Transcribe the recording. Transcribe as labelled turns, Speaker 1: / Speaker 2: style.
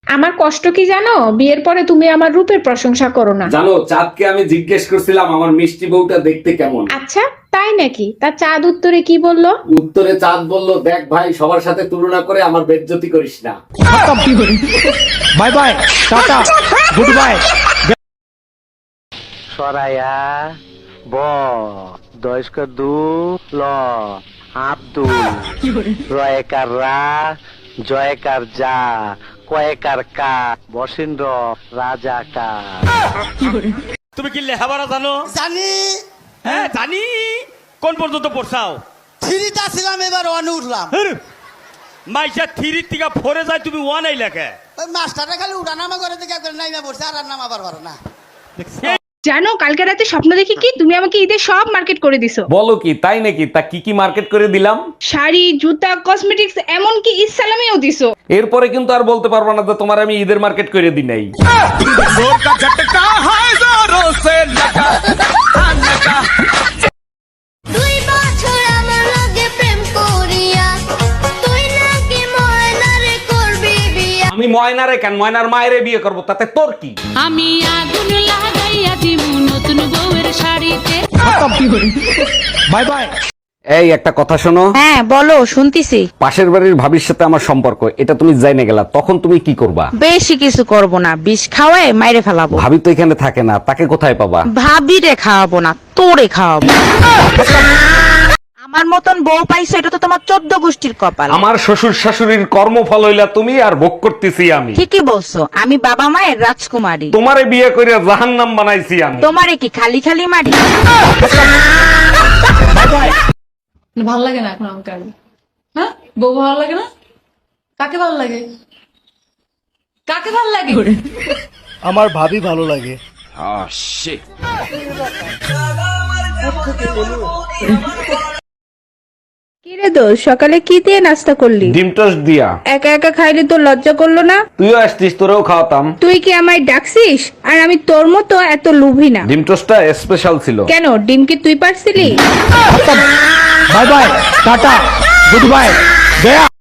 Speaker 1: আমার কষ্ট কি জানো? বিয়ের পরে তুমি আমার রূপের প্রশংসা করো না।
Speaker 2: জানো, চাঁদকে আমি জিজ্ঞেস করছিলাম আমার মিষ্টি বউটা দেখতে কেমন।
Speaker 1: আচ্ছা, তাই নাকি? তা চাঁদ উত্তরে কি বললো?
Speaker 2: উত্তরে চাঁদ বলল, দেখ ভাই, সবার সাথে তুলনা করে আমার বেজ্জতি করিস না।
Speaker 3: Bye bye, tata, good bye.
Speaker 4: সরায়া ব দয়স্কর দু ল আব্দুল রয়কার রা জয়কার যা কয়েকার কা বসেন্দ্র রাজা কা।
Speaker 5: তুমি কি লেখাপড়া জানো?
Speaker 6: জানি।
Speaker 5: হ্যাঁ জানি। কোন পর্যন্ত পড়ছাও?
Speaker 6: থ্রিটা ছিলাম, এবার ওয়ানে উঠলাম।
Speaker 5: মাইসা থ্রি থেকে ফোরে যায়, তুমি ওয়ান এই লেখে।
Speaker 6: ওই মাস্টারটা খালি উঠানামা করে দেখে নাইমা পড়ছে, আর নামাবার পারো না।
Speaker 1: জানো, কালকে রাতে স্বপ্ন দেখি কি তুমি আমাকে ঈদের সব মার্কেট করে দিছো।
Speaker 2: বলো কি, তাই নাকি? তা কি কি মার্কেট করে দিলাম?
Speaker 1: শাড়ি, জুতা, কসমেটিক্স, এমনকি ঈদ সালামিও দিছো।
Speaker 2: এরপরে কিন্তু আর বলতে পারবো না যে তোমার আমি ঈদের মার্কেট করে দিই নাই।
Speaker 7: দুই বছর আমার লগে প্রেম করিয়া তুই নাকি ময়নারে করবি বিয়া।
Speaker 2: আমি ময়নারে কেন, ময়নার মায়েরে বিয়ে করব, তাতে তোর কি?
Speaker 8: আমি আগুন লাগাইয়া দিমু নতুন বউয়ের শাড়িতে।
Speaker 3: Bye bye.
Speaker 2: এই একটা কথা শোনো।
Speaker 9: হ্যাঁ বলো, শুনতিছি।
Speaker 2: পাশের বাড়ির ভাবির সাথে আমার সম্পর্ক, এটা তুমি জাইনে গেলা, তখন তুমি কি করবা?
Speaker 9: বেশি কিছু করব না, বিষ খাওয়ায় মাইরে ফেলাবো।
Speaker 2: ভাবি তো এখানে থাকে না, তাকে কোথায় পাবা?
Speaker 9: ভাবিরে খাওয়াবো না, তোরে খাওয়াবো। আমার মতন বউ পাইছো, এটা তো তোমার 14 গোষ্ঠীর কপাল।
Speaker 2: আমার শ্বশুর শাশুড়ির কর্মফল হইলা তুমি, আর ভোগ করতেছি আমি।
Speaker 9: ঠিকই বলছো, আমি বাবা মায়ের রাজকুমারী।
Speaker 2: তোমারে বিয়ে করে জাহান্নাম বানাইছি আমি।
Speaker 9: তোমারে কি খালি খালি মারি?
Speaker 10: ভালো লাগে না এখন আমাকে। হ্যাঁ, বউ ভালো লাগে না? কাকে ভালো লাগে? কাকে ভালো লাগে?
Speaker 3: আমার ভাবি ভালো লাগে।
Speaker 1: কিরে দোষ, সকালে কি দিয়ে নাস্তা করলি?
Speaker 2: ডিম টোস্ট দিয়া।
Speaker 1: একা একা খাইলে তো লজ্জা করলো না?
Speaker 2: তুইও আসতিস, তোরেও খাওয়াতাম।
Speaker 1: তুই কি আমায় ডাকছিস? আর আমি তোর মতো এত লোভী না।
Speaker 2: ডিম টোস্টটা স্পেশাল ছিল।
Speaker 1: কেন, ডিম কি তুই পারছিলি?
Speaker 3: Bye bye, tata, good bye, Gaya.